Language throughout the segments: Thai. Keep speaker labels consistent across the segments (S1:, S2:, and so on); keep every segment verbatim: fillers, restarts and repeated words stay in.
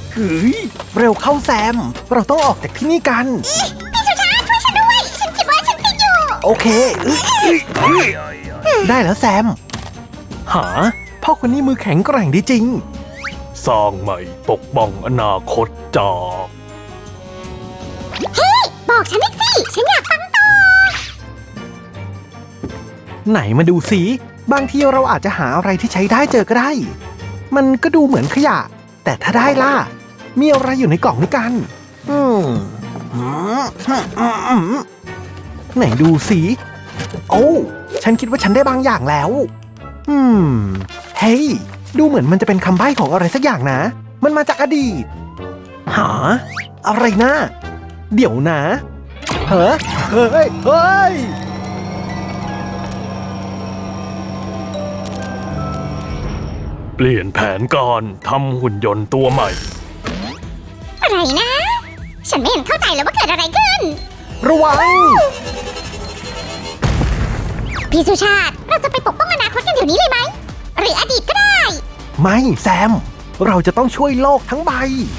S1: เฮ้ยเร็วเข้าแซมเราต้องออกจากที่นี่กัน
S2: พี่สุชาติช่วยฉันด้วยฉันคิดว่าฉันติดอยู่
S1: โอเคได้แล้วแซมหาพ่อคนนี้มือแข็งแกร่งดีจริง
S3: สร้างใหม่ปกป้องอนาคตจาก
S2: เฮ้ยบอกฉันอีกสิฉันอยากฟังต่อ
S1: ไหนมาดูสิบางทีเราอาจจะหาอะไรที่ใช้ได้เจอก็ได้มันก็ดูเหมือนขยะแต่ถ้าได้ล่ะมีอะไรอยู่ในกล่องนี้กันอืมไหนดูสิโอ้ฉันคิดว่าฉันได้บางอย่างแล้วอืมเฮ้ยดูเหมือนมันจะเป็นคำใบ้ของอะไรสักอย่างนะมันมาจากอดีตหาอะไรนะเดี๋ยวนะเฮ้ยเฮ้ยเฮ้ย
S3: เปลี่ยนแผนการทำหุ่นยนต์ตัวใหม่
S2: อะไรนะฉันไม่เห็นเข้าใจเลยว่าเกิดอะไรขึ้น
S1: ระวัง
S2: พี่สุชาติเราจะไปปกป้องอนาคตกันเดี๋ยวนี้เลยไหมหรืออดีตก็ได้
S1: ไม่แซมเราจะต้องช่วยโลกทั้งใบ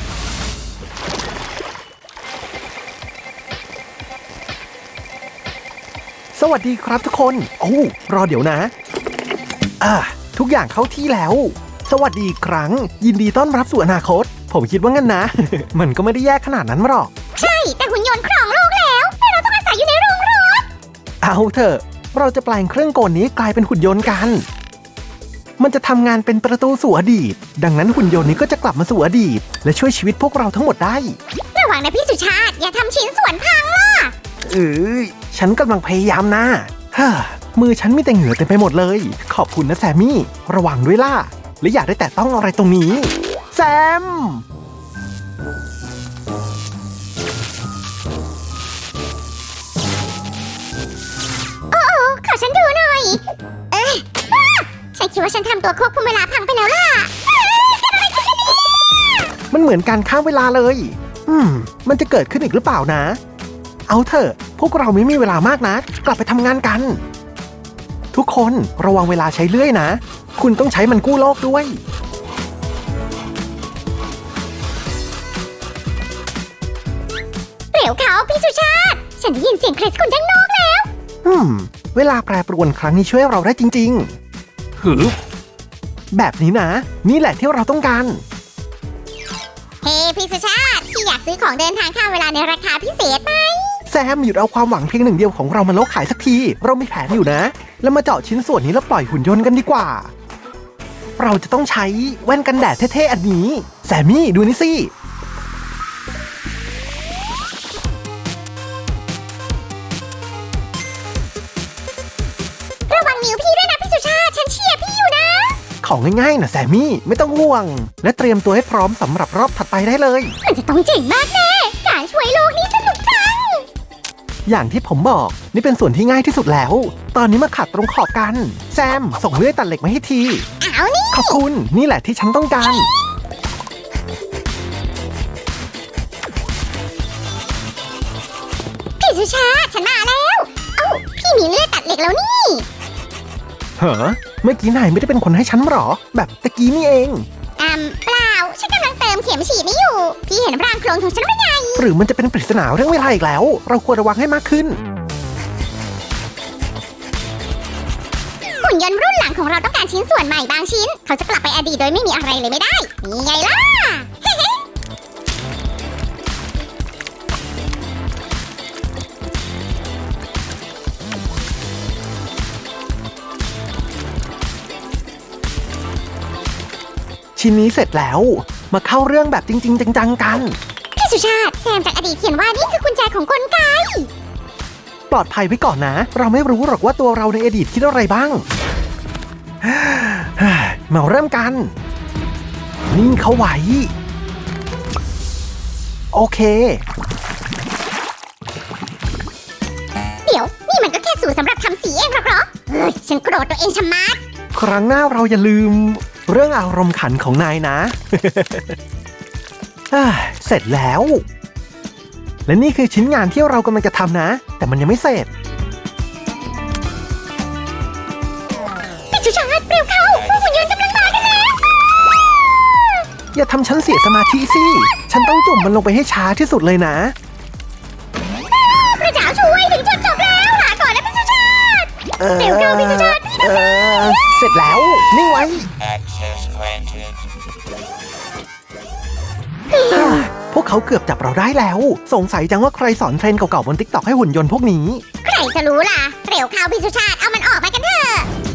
S1: สวัสดีครับทุกคนโอ้รอเดี๋ยวนะอ่ะทุกอย่างเข้าที่แล้วสวัสดีอีกครั้งยินดีต้อนรับสู่อนาคตผมคิดว่างั้นนะ มันก็ไม่ได้แย่ขนาดนั้นหรอก
S2: ใช่แต่หุ่นยนต์ครองโลกแล้วแต่เราต้องอาศัยอยู่ในโรงรถ
S1: เอาเถอะเราจะแปลงเครื่องกลนี้กลายเป็นหุ่นยนต์กันมันจะทำงานเป็นประตูสู่อดีตดังนั้นหุ่นยนต์นี้ก็จะกลับมาสู่อดีตและช่วยชีวิตพวกเราทั้งหมดได้
S2: ระวังนะพี่สุชาติอย่าทำชิ้นส่วนพังล่ะ
S1: เอ้ยฉันกำลังพยายามนะฮ่ามือฉันมีแต่เหงื่อเต็มไปหมดเลยขอบคุณนะแซมมี่ระวังด้วยล่ะและอย่าได้แตะต้องอะไรตรงนี้แซม
S2: โอ้โอ้ขอฉันดูหน่อยเอ๊ะฉันคิดว่าฉันทำตัวควบคุมเวลาพังไปแล้วล่ะ
S1: มันเหมือนการข้ามเวลาเลยอืมมันจะเกิดขึ้นอีกหรือเปล่านะเอาเถอะพวกเราไม่มีเวลามากนะกลับไปทำงานกันทุกคนระวังเวลาใช้เลื่อยนะคุณต้องใช้มันกู้โลกด้วย
S2: เร็วเขาพี่สุชาติฉันได้ยินเสียงคริสคุณด้านนอกแล้ว
S1: อืมเวลาแปรปรวนครั้งนี้ช่วยเราได้จริงๆหือแบบนี้นะนี่แหละที่เราต้องการ
S2: เฮ้พี่สุชาติพี่อยากซื้อของเดินทางข้ามเวลาในราคาพิเศษไหม
S1: แซมหยุดเอาความหวังเพียงหนึ่งเดียวของเรามาโลกขายสักทีเรามีแผนอยู่นะแล้วมาเจาะชิ้นส่วนนี้แล้วปล่อยหุ่นยนต์กันดีกว่าเราจะต้องใช้แว่นกันแดดเท่ๆอันนี้แซมมี่ดูนี่สิ
S2: ระวังนิ้วพี่ด้วยนะพี่สุชาติฉันเชียร์พี่อยู่นะ
S1: ของง่ายๆนะแซมมี่ไม่ต้องห่วงและเตรียมตัวให้พร้อมสำหรับรอบถัดไปได้เลย
S2: มันจะต้องเจ๋งมากแน่การช่วยโลกนี้สนุกจัง
S1: อย่างที่ผมบอกนี่เป็นส่วนที่ง่ายที่สุดแล้วตอนนี้มาขัดตรงขอบกันแซมส่งเลื่อยตัดเหล็กมาให้ที
S2: เอานี่
S1: ขอบคุณนี่แหละที่ฉันต้องการ
S2: พี่สุชาติฉันมาแล้วเอ้าพี่มีเลื่อยตัดเหล็กแล้วนี่
S1: เหรอเมื่อกี้นายไม่ได้เป็นคนให้ฉันหรอแบบตะกี้นี่เอง
S2: อืมเปล่าฉันกำลังเติมเข็มฉีดนี่อยู่พี่เห็นร่างโคลนของฉันไหมไง
S1: หรือมันจะเป็นปริศนาเรื่องเวลาอีกแล้วเราควรระวังให้มากขึ้น
S2: หุ่นยนต์รุ่นหลังของเราต้องการชิ้นส่วนใหม่บางชิ้นเขาจะกลับไปอดีตโดยไม่มีอะไรเลยไม่ได้นี่ไงล่ะ
S1: ชิ้นนี้เสร็จแล้วมาเข้าเรื่องแบบจริงๆจังๆกัน
S2: พี่สุชาติแซมจากอดีตเขียนว่านี่คือกุญแจของกลไก
S1: ปลอดภัยไว้ก่อนนะเราไม่รู้หรอกว่าตัวเราในอดีตคิดอะไรบ้างมาเริ่มกันนิ่งเข้าไว้โอเค
S2: เดี๋ยวนี่มันก็แค่สูตรสำหรับทำสีเองหรอเหรอเฮ้ยฉันโกรธตัวเองชะมัด
S1: ครั้งหน้าเราอย่าลืมเรื่องอารมณ์ขันของนายนะ เสร็จแล้วและนี่คือชิ้นงานที่เรากำลังจะทำนะแต่มันยังไม่เสร็จ
S2: พี่สุชาติเร็วเข้าพวกหุ่นยนต์กำลังมากันแล้ว
S1: อย่าทำฉันเสียสมาธิสิ ฉันต้องจุ่มมันลงไปให้ช้าที่สุดเลยนะ
S2: พระเจ้าช่วยถึงจุดจบแล้วลาก่อนนะพี่สุชาติ
S1: เออ
S2: เร็วเข้าพี่สุชาติพี่
S1: เออ เสร็จแล้ว นิ่งไว้
S4: Access granted.
S1: พวกเขาเกือบจับเราได้แล้ว สงสัยจังว่าใครสอนเทรนด์เก่าๆบนติ๊กต็อกให้หุ่นยนต์พวกนี้
S2: ใครจะรู้ล่ะ เร็วเข้าพี่สุชาติเอามันออกมากันเถอะ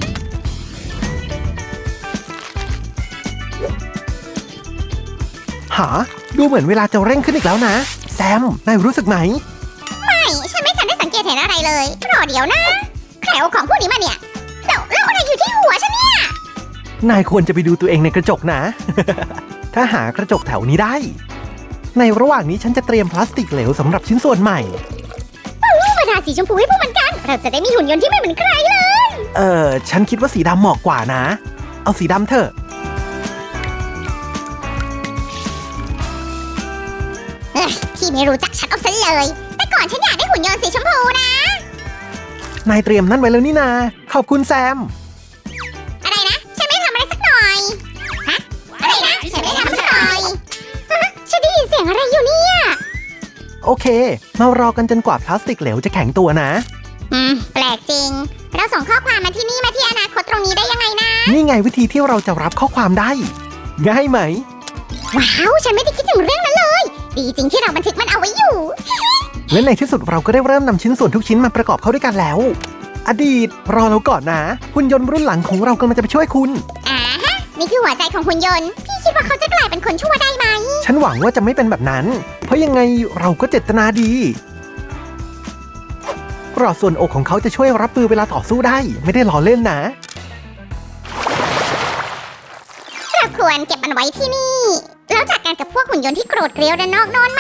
S1: หา ดูเหมือนเวลาจะเร่งขึ้นอีกแล้วนะ แซม นายรู้สึกไหม
S2: ไม่ฉันไม่ทันได้สังเกตเห็นอะไรเลยรอเดี๋ยวนะใครเอาของพวกนี้มาเนี่ยแล้วแล้วอะไรอยู่ที่หัวฉันเนี่ย
S1: นายควรจะไปดูตัวเองในกระจกนะ ถ้าหากระจกแถวนี้ได้ ในระหว่างนี้ฉันจะเตรียมพลาสติกเหลวสำหรับชิ้นส่วนใหม่
S2: มาทาสีชมพูให้พวกมันกัน เราจะได้มีหุ่นยนต์ที่ไม่เหมือนใครเลย
S1: เออ ฉันคิดว่าสีดำเหมาะกว่านะ เอาสีดำเถอะ
S2: เอ้ยพี่ไม่รู้จักฉันเอาซะเลย แต่ก่อนฉันอยากได้หุ่นยนต์สีชมพูนะ
S1: นายเตรียมนั่นไว้แล้วนี่นา ขอบคุณแซม
S2: อะไรนะ ฉันไม่ทำอะไรสักหน่อย ฮะ อะไรนะ ฉันไม่ทำสักหน่อยฮะฉันได้ยินเสียงอะไรอยู่เนี่ย
S1: โอเค มารอกันจนกว่าพลาสติกเหลวจะแข็งตัวนะ
S2: อืม แปลกจริง เราส่งข้อความมาที่นี่มาที่อนาคตตรงนี้ได้ยังไงนะ
S1: นี่ไงวิธีที่เราจะรับข้อความได้ ง่ายไหม
S2: ว้าว ฉันไม่ได้คิดถึงเรื่องนั้นเลย ดีจริงที่เราบันทึกมันเอาไว้อยู่
S1: และในที่สุดเราก็ได้เริ่มนำชิ้นส่วนทุกชิ้นมาประกอบเข้าด้วยกันแล้ว อดีต รอเราก่อนนะ หุ่นยนต์รุ่นหลังของเรากำลังจะไปช่วยคุณ
S2: อ่าฮะ นี่คือหัวใจของหุ่นยนต์ พี่คิดว่าเขาจะกลายเป็นคนชั่วได้ไหม
S1: ฉันหวังว่าจะไม่เป็นแบบนั้น เพราะยังไงเราก็เจตนาดีกรอดส่วนอกของเขาจะช่วยรับมือเวลาต่อสู้ได้ ไม่ได้ล้อเล่นนะ
S2: เราควรเก็บมันไว้ที่นี่ แล้วจัดการกับพวกหุ่นยนต์ที่โกรธเกรียวด้านนอกโนอนไหม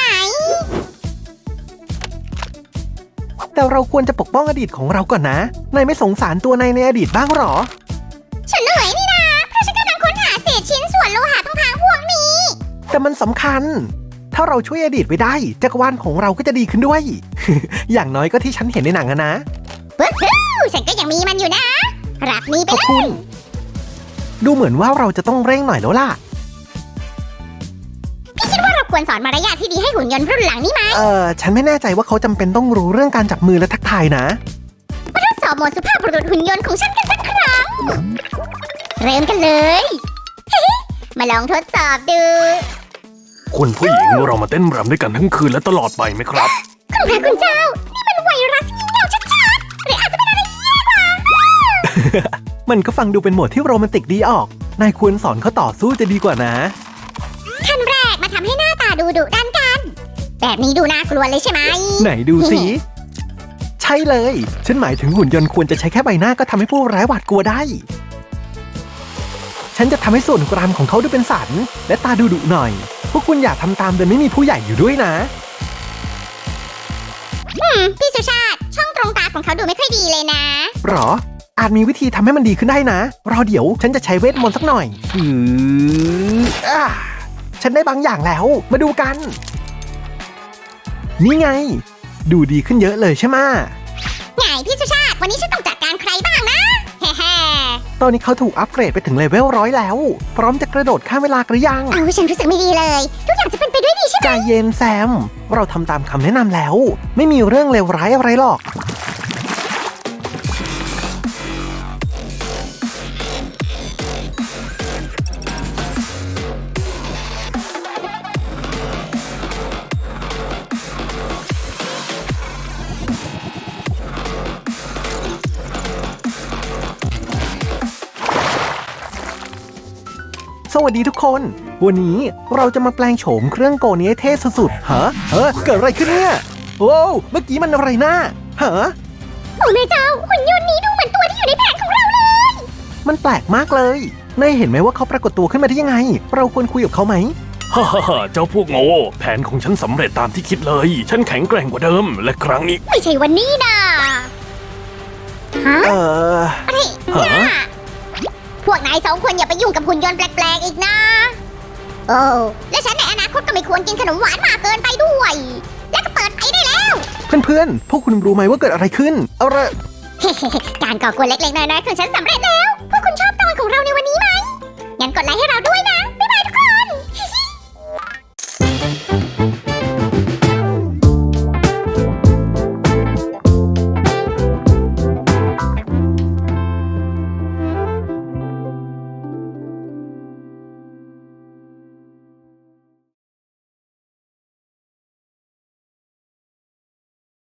S1: แต่เราควรจะปกป้องอดีตของเราก่อนนะ นายไม่สงสารตัวนายในอดีตบ้างหรอ
S2: ฉันเหนื่อยนี่นะ เพราะฉันกำลังค้นหาเศษชิ้นส่วนโลหะพังๆพวกนี้
S1: แต่มันสำคัญ ถ้าเราช่วยอดีตไว้ได้ จักรวาลของเราก็จะดีขึ้นด้วย อย่างน้อยก็ที่ฉันเห็นในหนังอะนะ
S2: ว้าวฉันก็ยังมีมันอยู่นะ รับนี้ไป
S1: ขอบ
S2: เล
S1: คุ
S2: ย
S1: ณ ดูเหมือนว่าเราจะต้องเร่งหน่อยแล้วล่ะ
S2: พี่คิดว่าเราควรสอนมารยาทที่ดีให้หุ่นยนต์รุ่นหลังนี่ไหม
S1: เออฉันไม่แน่ใจว่าเขาจำเป็นต้องรู้เรื่องการจับมือและทักทายนะ
S2: มาทดสอบโหมดสุภาพบุรุษหุ่นยนต์ของฉันกันสักครั้ง เริ่มกันเลย มาลองทดสอบดู
S3: คุณผู้หญิงเรามาเต้นรำด้วยกันทั้งคืนและตลอดไปไหมครับ
S2: คุณพระคุณเจ้า นี่มันไวรัสงี่เง่าชัดๆหรืออาจจะเป็นอะไรแย่กว่า
S1: มันก็ฟังดูเป็นโหมดที่โรแมนติกดีออก นายควรสอนเขาต่อสู้จะดีกว่านะ
S2: ขั้นแรกมาทำให้หน้าตาดูดุดันกัน แบบนี้ดูน่ากลัวเลยใช่ไหม
S1: ไหนดูสิ ใช่เลย ฉันหมายถึงหุ่นยนต์ควรจะใช้แค่ใบหน้าก็ทำให้ผู้ร้ายหวาดกลัวได้ ฉันจะทำให้ส่วนกรามของเขาดูเป็นสัน และตาดูดุหน่อย พวกคุณอย่าทำตามโดยไม่มีผู้ใหญ่อยู่ด้วยนะ
S2: อืม พี่สุชาติ ช่องตรงตาของเขาดูไม่ค่อยดีเลยนะ
S1: หรอ อาจมีวิธีทำให้มันดีขึ้นได้นะ รอเดี๋ยวฉันจะใช้เวทมนต์สักหน่อยอืออ่าฉันได้บางอย่างแล้ว มาดูกัน นี่ไง ดูดีขึ้นเยอะเลยใช่ไหมะ
S2: ไงพี่สุชาติ วันนี้ฉันต้องจัดการใครบ้างนะ แฮ่
S1: ตอนนี้เขาถูกอัปเกรดไปถึงเลเวลร้อยแล้ว พร้อมจะกระโดดข้ามเวลาหรือยัง
S2: ๆเอาฉันรู้สึกไม่ดีเลย ทุกอย่างจะเป็นไปด้วยดีใช่ไหม
S1: ใจเย็นแซม เราทำตามคำแนะนำแล้ว ไม่มีเรื่องเลวร้ายอะไรหรอก สวัสดีทุกคน วันนี้เราจะมาแปลงโฉมเครื่องโกนี้ให้เท่สุดๆฮะเออเกิดอะไรขึ้นเนี่ยโว้วเมื่อกี้มันอะไรนะฮะ
S2: โอ้แม่เจ้า หุ่นยนต์นี้ดูเหมือนตัวที่อยู่ในแผนของเราเลย
S1: มันแปลกมากเลยนายเห็นไหมว่าเขาปรากฏตัวขึ้นมาได้ยังไง เราควรคุยกับเขาไหม
S3: ฮ่าฮ่าฮ่าเจ้าพวกโง่ แผนของฉันสำเร็จตามที่คิดเลย ฉันแข็งแกร่งกว่าเดิม และครั้งนี้
S2: ไม่ใช่วันนี้นะฮะ
S1: เออ
S2: อะไร
S1: ฮะ
S2: เนี่ยพวกนายสองคนอย่าไปยุ่งกับหุ่นยนต์แปลกๆอีกนะ โอ้และฉันในอนาคตก็ไม่ควรกินขนมหวานมากเกินไปด้วย แล้วก็เปิดไฟได้แล้ว
S1: เพื่อนๆ พวกคุณรู้ไหมว่าเกิดอะไรขึ้น เอาละ
S2: การก่อกวนเล็กๆน้อยๆของฉันสำเร็จแล้ว พวกคุณชอบตอนของเราในวันนี้ไหม งั้นกดไลค์ให้เราด้วยนะ